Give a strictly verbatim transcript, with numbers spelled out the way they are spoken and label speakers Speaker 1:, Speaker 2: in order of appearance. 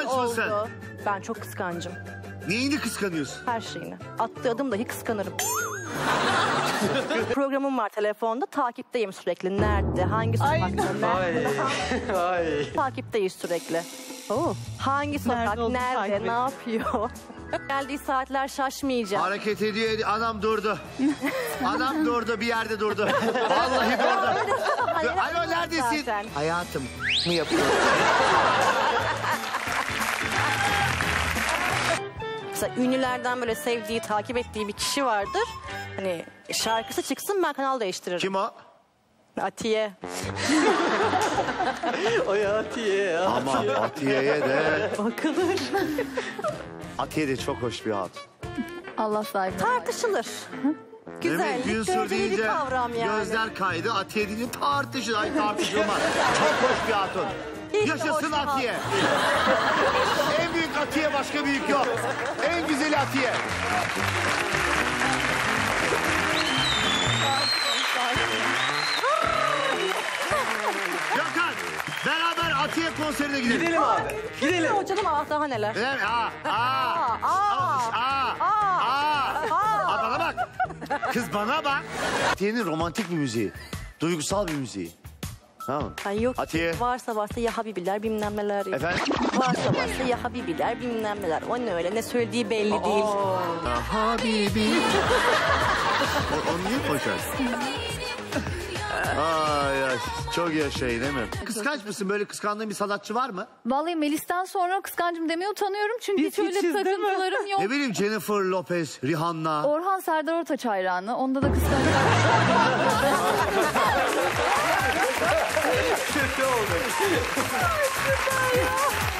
Speaker 1: Kıskanç mısın?
Speaker 2: oldu. Ben çok kıskancım.
Speaker 1: Neyini kıskanıyorsun?
Speaker 2: Her şeyini. Attığı adım dahi kıskanırım. Programım var telefonda. Takipteyim sürekli. Nerede? Hangi sokakta? Nerede?
Speaker 3: Ay.
Speaker 2: Takipteyiz sürekli. Oo. Hangi sokak?
Speaker 4: Nerede olduğunu
Speaker 2: Nerede?
Speaker 4: takip
Speaker 2: Ne yapıyor? Geldiği saatler şaşmayacağım.
Speaker 1: Hareket ediyor, ediyor. Anam durdu. Anam durdu, bir yerde durdu. Vallahi durdu.
Speaker 2: Hayır,
Speaker 1: Alo, neredesin?
Speaker 2: zaten.
Speaker 1: Hayatım mı yapıyor?
Speaker 2: Mesela ünlülerden böyle sevdiği, takip ettiği bir kişi vardır. Hani şarkısı çıksın ben kanal değiştiririm.
Speaker 1: Kim o?
Speaker 2: Atiye.
Speaker 3: Oy Atiye.
Speaker 1: Ama Atiye'ye de...
Speaker 2: Bakılır.
Speaker 1: Atiye de çok hoş bir hatun.
Speaker 4: Allah sahibi.
Speaker 2: Tartışılır. Güzellik
Speaker 1: Günsür
Speaker 2: göreceli bir
Speaker 1: deyince
Speaker 2: kavram yani.
Speaker 1: gözler kaydı. Atiye deyince tartışılır. Ay tartışılmaz. Çok hoş bir hatun.
Speaker 2: Hiç de
Speaker 1: Yaşasın
Speaker 2: hoş bir
Speaker 1: Atiye. En büyük Atiye, başka büyük yok. En güzeli Atiye. Gökhan, beraber Atiye konserine gidelim.
Speaker 3: Gidelim abi. Gidelim.
Speaker 2: O canım ah daha neler.
Speaker 1: Gidelim. Aa, aa,
Speaker 2: Aa,
Speaker 1: aa, aa, aa. Aa, bana bak. Kız bana bak. Atiye'nin romantik bir müziği. Duygusal bir müziği. Tamam mı?
Speaker 2: Ay yok
Speaker 1: Atiye.
Speaker 2: varsa varsa ya Habibiler bilmem neler.
Speaker 1: Efendim?
Speaker 2: Varsa varsa ya Habibiler bilmem neler. O ne öyle ne söylediği belli değil.
Speaker 1: Habibi. o, onu niye koşarsın? Ay ya çok yaşayın değil mi? Kıskanç mısın? Böyle kıskandığın bir sanatçı var mı?
Speaker 4: Vallahi Melis'ten sonra kıskancım demeye utanıyorum. Çünkü
Speaker 3: Biz
Speaker 4: hiç öyle
Speaker 3: hiçiz, değil mi?
Speaker 4: takıntılarım yok.
Speaker 1: Ne bileyim Jennifer Lopez, Rihanna.
Speaker 4: Orhan Serdar Ortaç hayranı. Onda da kıskancım.
Speaker 3: Kötü oldu.